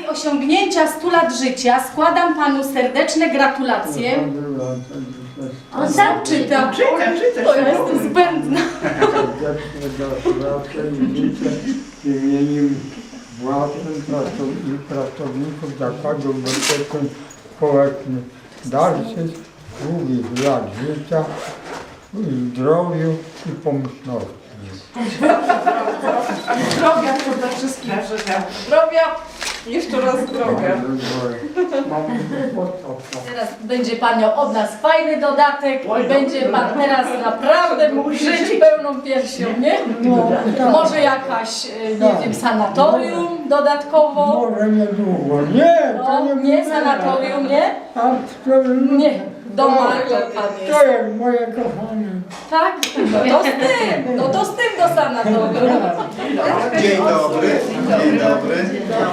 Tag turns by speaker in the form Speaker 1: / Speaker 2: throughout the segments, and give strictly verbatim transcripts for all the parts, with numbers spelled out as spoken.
Speaker 1: okazji osiągnięcia stu lat życia składam panu serdeczne gratulacje. On sam czyta.
Speaker 2: Czyta, czyta.
Speaker 1: To ja jestem zbędna.
Speaker 3: Serdecznie gratulacje i życzę w imieniu własnym pracow- i pracowników Zakładu Ubezpieczeń Społecznych dalszych, długich lat życia, zdrowiu i pomyślności.
Speaker 2: Zdrowia przede wszystkim. Zdrowia. Jeszcze raz zdrowia.
Speaker 1: Teraz będzie pan miał od nas fajny dodatek i będzie pan teraz naprawdę mógł żyć pełną piersią, nie? Może jakaś, y, nie wiem, sanatorium dodatkowo?
Speaker 3: Może niedługo. Nie, to
Speaker 1: No,
Speaker 3: nie
Speaker 1: nie sanatorium, nie?
Speaker 3: A to,
Speaker 1: Nie, do Marka pan jest.
Speaker 3: to jest moje kochane.
Speaker 1: Tak? No to z tym, no to z tym do sanatorium.
Speaker 4: Dzień dobry, dzień dobry.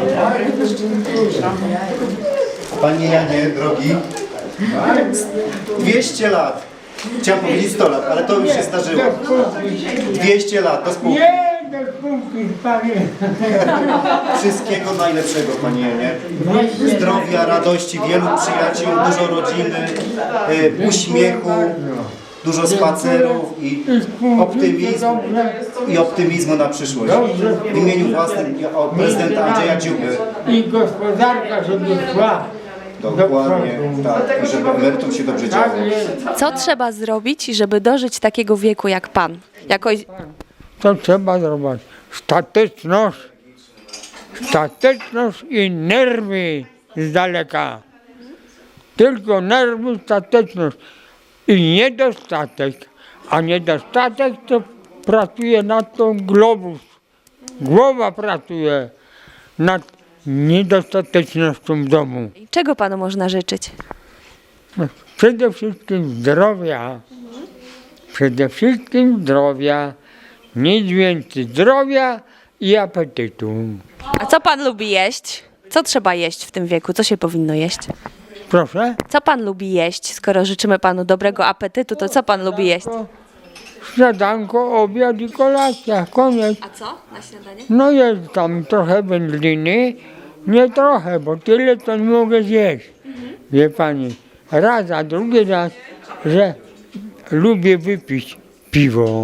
Speaker 4: Panie Janie, drogi, dwieście lat. Chciałem powiedzieć sto lat, ale to już się zdarzyło. dwieście lat, do spółki.
Speaker 3: Nie, do spółki, panie.
Speaker 4: Wszystkiego najlepszego, Panie Janie. Zdrowia, radości, wielu przyjaciół, dużo rodziny, y, uśmiechu, dużo spacerów i optymizmu, i optymizmu na przyszłość. W imieniu własnym o prezydenta Andrzeja Dziuby.
Speaker 3: I gospodarka, żeby szła.
Speaker 4: Dokładnie, tak, i żeby emerytom się dobrze działo.
Speaker 3: Tak jest.
Speaker 5: Co trzeba zrobić, żeby dożyć takiego wieku jak pan? Jakoś...
Speaker 3: Co trzeba zrobić? Stateczność, stateczność i nerwy z daleka. Tylko nerwy, stateczność i niedostatek. A niedostatek to pracuje nad tą globus. Głowa pracuje nad niedostatecznością w domu.
Speaker 5: Czego panu można życzyć?
Speaker 3: Przede wszystkim zdrowia. Przede wszystkim zdrowia. Nic więcej zdrowia i apetytu.
Speaker 5: A co pan lubi jeść? Co trzeba jeść w tym wieku? Co się powinno jeść?
Speaker 3: Proszę?
Speaker 5: Co pan lubi jeść? Skoro życzymy panu dobrego apetytu, to co pan lubi jeść?
Speaker 3: Śniadanko, obiad i kolacja. Koniec.
Speaker 5: A co na śniadanie?
Speaker 3: No jest tam trochę wędliny. Nie trochę, bo tyle to nie mogę zjeść. Wie pani, raz, a drugi raz, że lubię wypić piwo.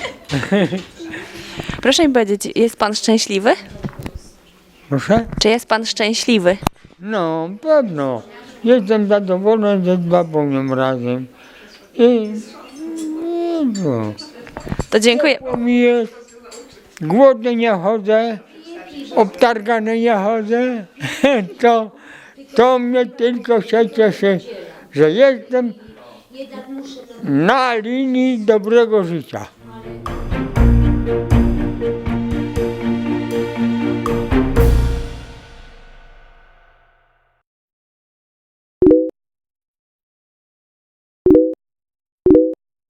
Speaker 5: Proszę mi powiedzieć, jest pan szczęśliwy?
Speaker 3: Proszę?
Speaker 5: Czy jest pan szczęśliwy?
Speaker 3: No, pewno. Jestem zadowolony ze babunią razem. I, i no.
Speaker 5: To dziękuję.
Speaker 3: Ciepło mi jest, głodny nie chodzę, obtargany nie chodzę. To, to mnie tylko się cieszy, że jestem na linii dobrego życia.